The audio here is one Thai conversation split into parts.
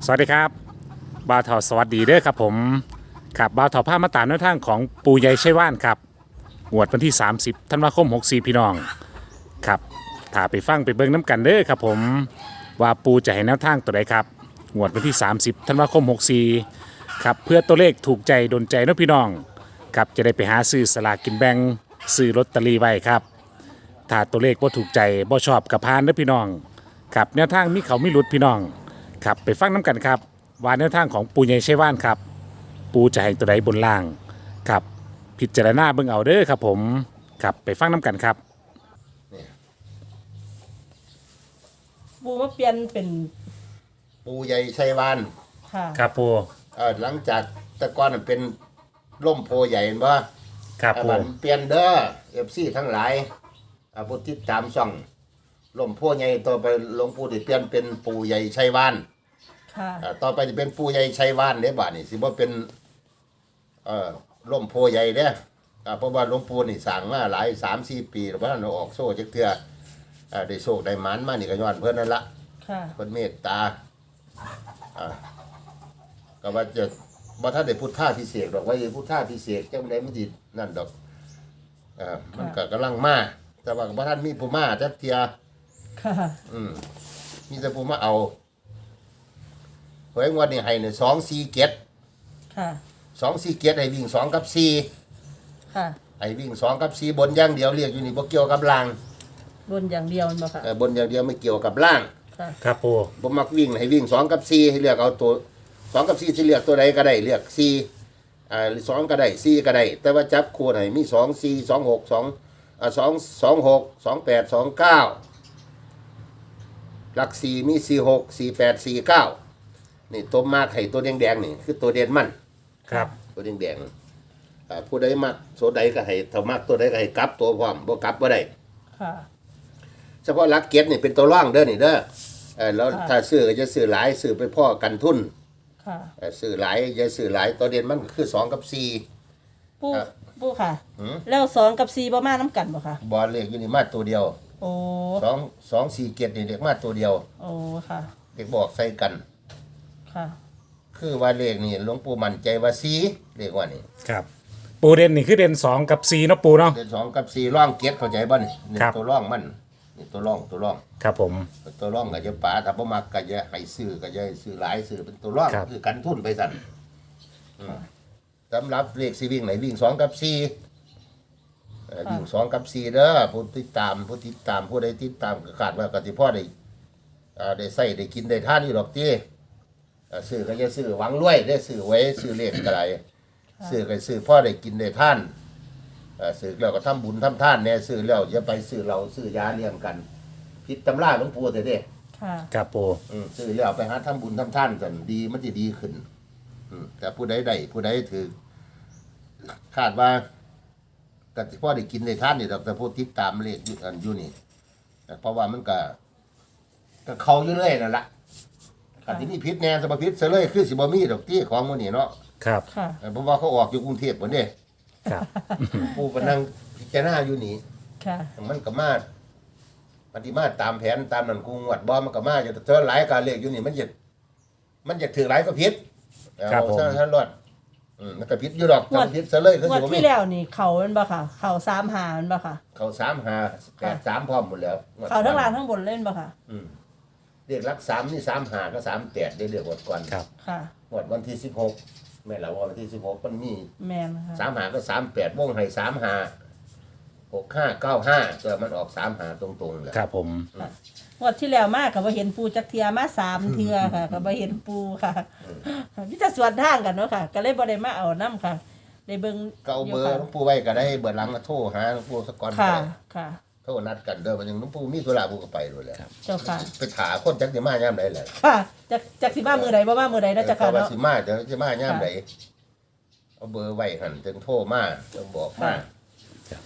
สวัสดีครับบ่าวเถาสวัสดีเด้อครับผมครับบ่าวเถาผ้ามาตามแนวทางของปูใหญ่ไชว่านครับงวดวันที่ 30 ธันวาคม 64 พี่น้องครับถ้าไปฟังไปเบิ่งน้ำกันเด้อครับผมว่าปูจะให้แนวทางตัวใดครับงวดวันที่ 30 ธันวาคม 64 ครับเพื่อตัวเลขถูกใจโดนใจเนาะพี่น้องครับจะได้ไปหาซื้อสลากกินแบ่งซื้อลอตเตอรี่ไว้ครับถ้าตัวเลขบ่ถูกใจบ่ชอบกับพานเด้อพี่น้องครับแนวทางมีเขามีหลุดพี่น้องครับไปฟังน้ำกันครับว่าแนวทางของปูใหญ่ไชว่านครับปูจะให้ตัวใดบนล่างครับพิจารณาเบิ่งเอาเด้อครับผมครับไปฟังน้ำกันครับปูมาเปลี่ยนเป็นปูใหญ่ชัยวานค่ะครับปูหลังจากแตะกอนเป็นร่มโพใหญ่เห็นบ่ครับปูมันเปลี่ยนเด้อFCทั้งหลายผู้ติดตามช่องร่มโพใหญ่ต่อไปหลวงปู่ที่เปลี่ยนเป็นปูใหญ่ชัยวานค่ะต่อไปจะเป็นปูใหญ่ชัยวานเด้บาดนี่สิบ่เป็นร่มโพใหญ่เด้เพราะว่าหลวงปู่นี่สร้างมาหลาย 3-4 ปีแล้วบ่ทันเอาออกโซ่จักเทื่อได้โชคได้หมานมานี่ก็ย้อนเพิ่นนั่นละค่ะเพิ่นเมตตาก็ว่าจะบ่ทันได้พุทธาพิเศษกดอกว่าพุทธาพิเศษจังได๋มันสินั่นดอกมันก็กำลังมาแต่ว่าบ่ทันมีผู้มาจักเที่ยค่ะมีแต่ผู้มาเอาหวยงวดนี้ให้เนี่ย247 ค่ะ 247ให้วิ่ง2กับ4 ค่ะให้วิ่ง2กับ4บนอย่างเดียวเรียกอยู่นี่บ่เกี่ยวกับล่างบนอย่างเดียวมันบ่ค่ะบนอย่างเดียวไม่เกี่ยวกับล่างค่ะครับปูผมมักวิ่งให้วิ่ง2กับ4ให้เลือกเอาตัว2กับ4สิเลือกตัวใดก็ได้เลือก4 2ก็ได้4ก็ได้แต่ว่าจับคู่ให้มี2 4 2 6 2 2 2 6 2 8 2 9หลัก4มี4 6 4 8 4 9นี่ตัวมากให้ตัวแดงๆนี่คือตัวเด่นมันครับตัวแดงๆผู้ใดมักตัวใดก็ให้ถ้ามักตัวใดก็ให้กลับตัวพร้อมบ่กลับบ่ได้ค่ะเฉพาะหลักเก็ตนี่เป็นตัวร่องเด้อนี่เด้อแล้วค่ะถ้าซื้อก็จะซื้อหลายซื้อไปพ่อกันทุนค่ะซื้อหลายอย่าซื้อหลายตัวเด่นมันก็คือ2กับ4 ปูครับปูค่ะหือแล้ว2กับ4บ่มาน้ำกันบ่ค่ะบอลเลขอยู่นี่มาตัวเดียวโอ้ 2 4เกียรตินี่เด็กมาตัวเดียวโอ้ค่ะเด็กบอกใส่กันค่ะคือว่าเลขนี่หลวงปู่มั่นใจว่า4เลขว่านี่ครับปูเด่นนี่คือเด่น2กับ4เนาะปูเนาะเด่น2กับ4ร่องเกียรติเข้าใจบ่นี่นี่ครับตัวร่องมันนี่ตัวร่องครับผมตัวร่องก็จะป่าถ้าบ่มักก็จะให้ซื้อก็จะให้ซื้อหลายซื้อเป็นตัวร่องครับคือกันทุนไปสั่นสำหรับเลขสิวิ่งไหนวิ่ง2กับ4วิ่ง2กับ4เด้อผู้ติดตามผู้ใดติดตามก็คาดว่าก็สิพอได้ใส่ได้กินได้ทานอยู่ดอกติซื้อก็จะซื้อหวังรวยได้ซื้อไว้ซื้อเลขก็ได้ซื้อก็ซื้อพอได้กินได้ทานซื้อแล้วก็ทำบุญทำทานแน่ซื้อแล้วอย่าไปซื้อเหล้าซื้อยาเลี้ยงกันผิดตำราหลวงปู่เด้ค่ะครับปูซื้อแล้วไปหาทำบุญทำทานกันดีมันจะดีขึ้นแต่ผู้ใดได้ผู้ใดถือคาดว่าก็สิพ่อได้กินได้ทานนี่ดอกแต่ผู้ติดตามเลขอยู่นี่เพราะว่ามันก็เขาอยู่เรื่อยนั่นล่ะอันที่นี่พิษแน่สมพิษเสยเลยคือสิบ่มีดอกที่ของมันนี่เนาะครับค่ะเพราะว่าเขาออกอยู่กรุงเทพฯบ่เด้ครับผู้ก็นั่งพิจารณาอยู่นี่ค่ะมันก็มาปฏิมาตามแผนตามนั้นกูงวดบ่มันก็มาอยู่แต่เธอหลายการเลขอยู่นี่มันจะถือหลายก็ผิดครับผมท่านรอดมันก็ผิดอยู่ดอกถ้าผิดเสยเลยคืองวสิดบ่มีที่แล้วนี่เขามันบ่ค่ะ เขา3หามันบ่ค่ะเขา3-5-8-3พร้อมหมดแล้วงวดเขาทั้งล่างทั้งบนเล่นบ่ค่ะเรียกหลัก3นี่3-5ก็3-8ได้เรียกงวดก่อนครับค่ะงวดวันที่16แม่นล่ะวันที่16มันมีแม่นค่ะ 3-5ก็3-8วงให้3-5 6-5-9-5แต่มันออก3-5ตรงๆแหละครับผมงวดที่แล้วมากก็บ่เห็นปูจักเทียมา3เทื่อค่ะก็บ่เห็นปูค่ะมีแต่สวนทางกันเนาะค่ะ ก็เลยบ่ได้มาเอานํค่ะได้เบิ่งก็เอาเบอร์ยู่หลวงปู่ไว้ก็ได้เบอร์หลังมาโทรหาหลวงปู่สักก่อนก็ค่ะได้ค่ะโทรนัดกันเด้อมันยังหลวงปู่มีธุระปู่ก็ไปด้วยแหละเจ้าค่ะไปถาคนจักสิมายามใดแหละค่ะจักสิมามือใดบ่มามือใดเนาะเจ้าค่ะว่าเนาะสิมาเดี๋ยวสิมายามใดเอาเบอร์ไว้หั่นจึงโทรมาจึงบอกมาค่ะ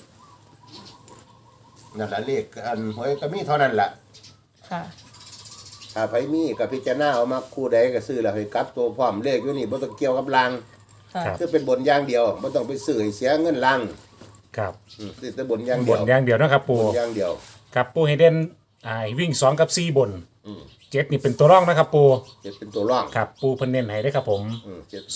นั่นล่ะเลขอันหวยก็มีเท่านั้นล่ะค่ะถ้าไผมีก็พิจารณาเอามาคู่ใดก็ซื้อแล้วให้กลับตัวพร้อมเลขอยู่นี่บ่ต้องเกี่ยวกับรางค่ะครับคือเป็นบนอย่างเดียวบ่ต้องไปซื้อให้เสียเงินรางครับซื้อแต่บนอย่างบเดียนวอย่างเดียวเนาะครับปูบนอย่างเดียวครับปูให้เด่นวิ่ง2กับ4บนเจ็ดนี่เป็นตัวร่องนะครับปูเจ็ดเป็นตัวร่องครับปูเพิ่นเน้นให้ได้อครับผมเจ็ด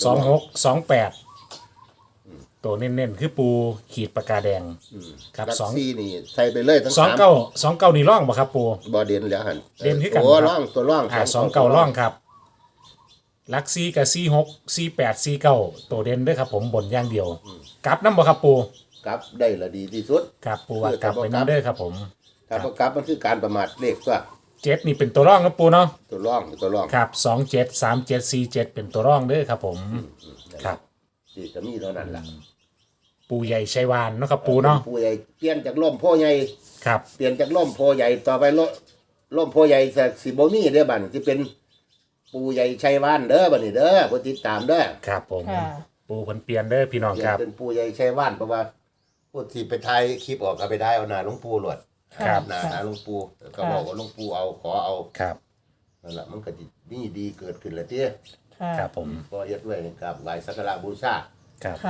26 28ตัวเน้นๆคือปูขีดปากกาแดงครับลักสองซี่นี่ใส่ไปเลยทั้งสองสามเก้าสองเก้านี่ร่องบ่ครับปูบ่เด่นแล้วหันเด่นคือกันโอ้ครับร่องตัวร่องสองเก้าร่องครับลักซี่กับ46 48 49ตัวเด่นเด้วยครับผมบนอย่างเดียวกลับน้ำบ่ครับปูกลับได้ละดีที่สุดครับปูว่ากลับไปน้ำเด้อครับผมถ้าบ่กลับมันคือการประมาทเลขตัวเจ็ดนี่เป็นตัวร่องครับปูเนาะตัวร่องตัวร่องครับ27 37 47เป็นตัวร่องเด้อครับผมครับที่จะมีเท่านั้นล่ะปูใหญ่ชัยวานเนาะครับปูเนาะผู้ใหญ่เปลี่ยนจากล่มโพใหญ่ครับเปลี่ยนจากล่มโพใหญ่ต่อไปล่มโพใหญ่สิบ่มีเด้อบัดนี้สิเป็นปูใหญ่ชัยวานเด้อบัดนี้เด้อผู้ติดตามเด้อครับผมค่ะปูเพิ่นเปลี่ยนเด้อพี่น้องเปลี่คยนรับเป็นปูใหญ่ชัยวานเพราะว่าผู้ที่ไปถ่ายคลิปออกก็ไปได้เอาหน้าหลวงปู่หลวดครับหน้าหลวงปู่ก็บอกว่าหลวงปู่เอาขอเอาครับนั่นล่ะมันก็สิมีดีเกิดขึ้นแล้วติค่ะครับผมก็เฮ็ดไว้กับไหว้สักการะบูชาครับค่ะ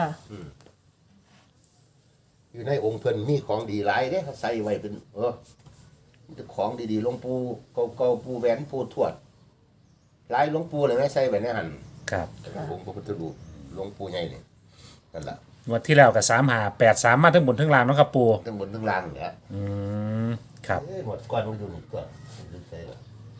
อยู่ในองค์เพิ่นมีของดีหลายเด้ใส่ไว้เป็นมีแต่ของดีๆหลวงปู่เก่าๆปู่แหวนปู่ทวดหลายหลวงปู่เลยนะใส่ไว้ในหั่นครับองค์พระพุทธรูปหลวงปู่ใหญ่นี่นั่นล่ะงวดที่แล้วกับ3583มาทั้งบนทั้งล่างเนาะครับปูทั้งบนทั้งล่างเนี่ยอืมครับหมดก้อนมันอยู่นี่ก่อนมันใส่ละ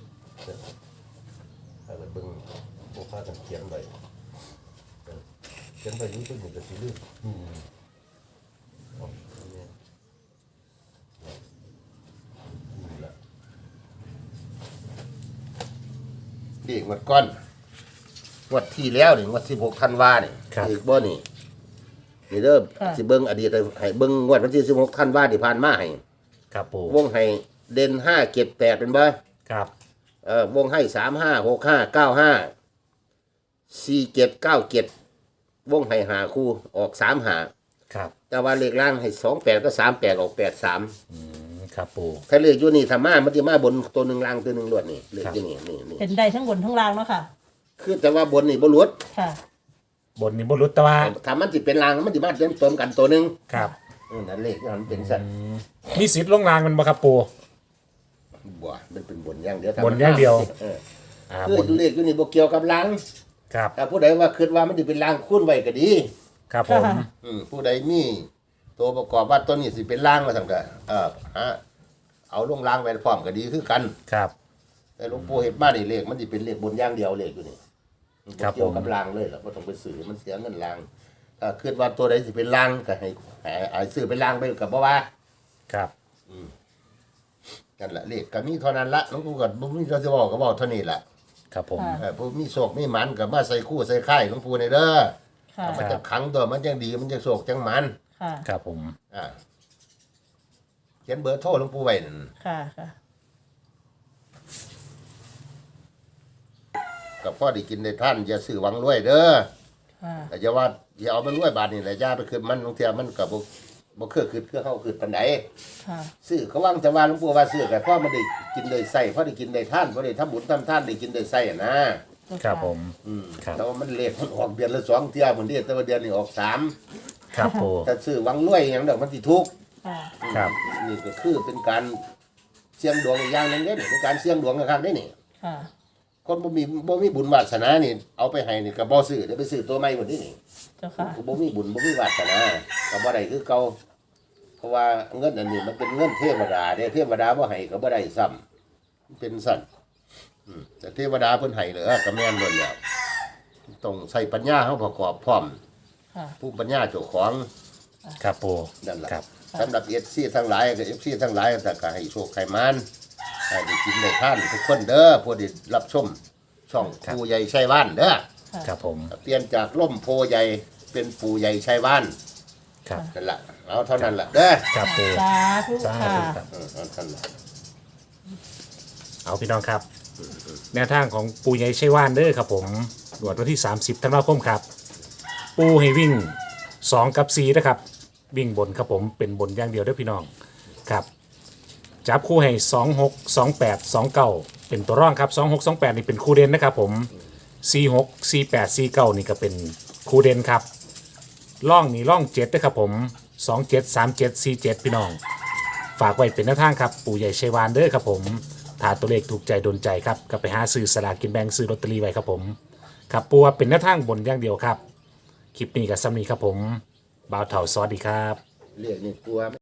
ให้ไปเบิ่งบ่พากันเขียนไว้เขียนไว้นี่เพิ่นก็สิลืมเอาเนี่ยนี่ล่ะเด็กหมดก้อนงวดที่แล้วนี่งวด16ธันวานี่อีกบ่นี่นี่เด้อสิเบิ่งอดีตให้เบิ่งงวดวันที่16ธันวาที่ผ่านมาให้ครับปูวงให้เด่น5 7 8เป็นบ่ครับวงให้3 5 6 5 9 5 4 7 9 7วงให้5คู่ออก3 5 ครับแต่ว่าเลขล่างให้2 8ก็3 8ออก8 3 ครับปูถ้าเลขอยู่นี่ถ้ามามันสิมาบนตัวหนึงล่างตัวหนึงลวดนี่เลขอยู่นี่นี่เป็นได้ทั้งบนทั้งล่างเนาะค่ะคือแต่ว่าบนนี่บ่หลุดค่ะบนนี่บ่รู้แต่ว่าถ้ามันสิเป็นล่างมันสิมาเต็มต้นกันตัวหนึงครับนั่นเลขมันเป็นสั่นมีสิทธิ์ลงรางมันบ่ครับปูบ่มันเป็นบนอย่างเดียวบนอย่างเดียวคืบอน เลขอยู่นี่บ่เกี่ยวกับล่างครับถ้าผู้ใดว่าคิดว่ามันสิเป็นล่างคูณไว้ก็ดีครับผมค่ะผู้ใดมีตัวประกอบว่าตัวนี้สิเป็นล่างมาทำกันฮะเอาลงล่างไว้พร้อมก็ดีคือกันครับแต่หลวงปู่เห็นมานี่เลขมันสิเป็นเลขบนอย่างเดียวเลขอยู่นี่มันบ่เกี่ยวกับล่างเลยล่ะบ่ต้องไปซื้อมันเสียเงินล่างถ้าคิดว่าตัวใดสิเป็นล่างก็ให้ซื้อเป็นล่างไปก็บ่ว่าครับนั่นล่ะเลขก็มีเท่านั้นละหลวงปู่ก็บ่มีจะบอกก็บอกเท่านี้ล่ะครับผมผู้มีโชคมีหมันก็มาใส่คู่ใส่ค่ายหลวงปู่ในเด้อค่ะมันจะขังตัวมันจังดีมันจะโชคจังหมันค่ะครับผมเขียนเบอร์โทรหลวงปู่ไว้นั่นค่ะค่ะกับพ่อได้กินได้ท่านอย่าซื้อหวังรวยเด้อค่ะแต่อย่าว่าอย่าเอามันรวยบาทนี่แหละอย่าไปคืนมันบางเทีมันก็บ่คือเฮาคือปานใดค่ะซื้อเขาว่างจะว่าหลวงปู่ว่าซื้อก็พ่อมันได้กินได้ใส่พ่อได้กินได้ท่านพ่อได้ทำบุญทำทานได้กินได้ใส่อะนะครับผม ครับแต่ว่ามันเลขมันออกเดือนละ2เที่ยเหมือนเดือนแต่ว่าเดือนนี้ออก3 ครับปูถ้าซื้อหวังรวยหยังดอกมันสิทุกข์ค่ะครับนี่ก็คือเป็นการเสี่ยงดวงอีกอย่างหนึงเด้นี่เป็นการเสี่ยงดวงนะครับเด้นี่ค่ะคนบ่มีบุญวาสนานี่เอาไปให้นี่ก็บ่ซื้อเดี๋ยวไปซื้อตัวใหม่หมดนี่เจ้าค่ะบ่มีบุญบ่มีวาสนาก็บ่ได้คือเก่าเพราะว่าเงินอันนี้มันเป็นเงินเทวดาเด้เทวดาบ่ให้ก็บ่ได้ซ้ำมันเป็นสั่นแต่เทวดาเพิ่นให้เหลือก็แม่นเบิดแล้วต้องใช้ปัญญาเฮาประกอบพร้อมค่ะผู้ปัญญาเจ้าของครับปูนั่นล่ะครับสำหรับ FC ทั้งหลายก็ FC ทั้งหลายก็ให้โชคให้มานให้ได้กินได้ทานทุกคนเด้อผู้ที่รับชมช่องปู่ใหญ่ชัยว่านเด้อครับผมเปลี่ยนจากล่มโพใหญ่เป็นปู่ใหญ่ชัยว่านครับนั่นล่ะเอาเท่านั้นล่ะเด้อครับปูสาธุสาค่ะธุครับเอาเท่านั้นล่ะเอาพี่น้องครับ แนวทางของปูใหญ่ชัยวานเด้อครับผมหนวดวันที่ 30ธันวาคมครับ ปูให้วิ่ง 2 กับ 4 นะครับ วิ่งบนครับผมเป็นบนอย่างเดียวเด้อพี่น้องครับ จับคู่ให้ 26 28 29 เป็นตัวร่องครับ 26 28 นี่เป็นคู่เด่นนะครับผม 46 48 49 นี่ก็เป็นคู่เด่นครับร่องนี่ร่อง7นะครับผม 27 37 47 พี่น้อง ฝากไว้เป็นหน้าทางครับ ปู่ใหญ่ชัยวานเด้อครับผมถ้าตัวเลขถูกใจโดนใจครับก็ไปหาซื้อสลากกินแบ่งซื้อลอตเตอรี่ไว้ครับผมครับปูว่าเป็นหน้าทางบนอย่างเดียวครับคลิปนี้กับซ้ำนี้ครับผมบ่าวเถาสวัสดีครับเรียกนี่กลัว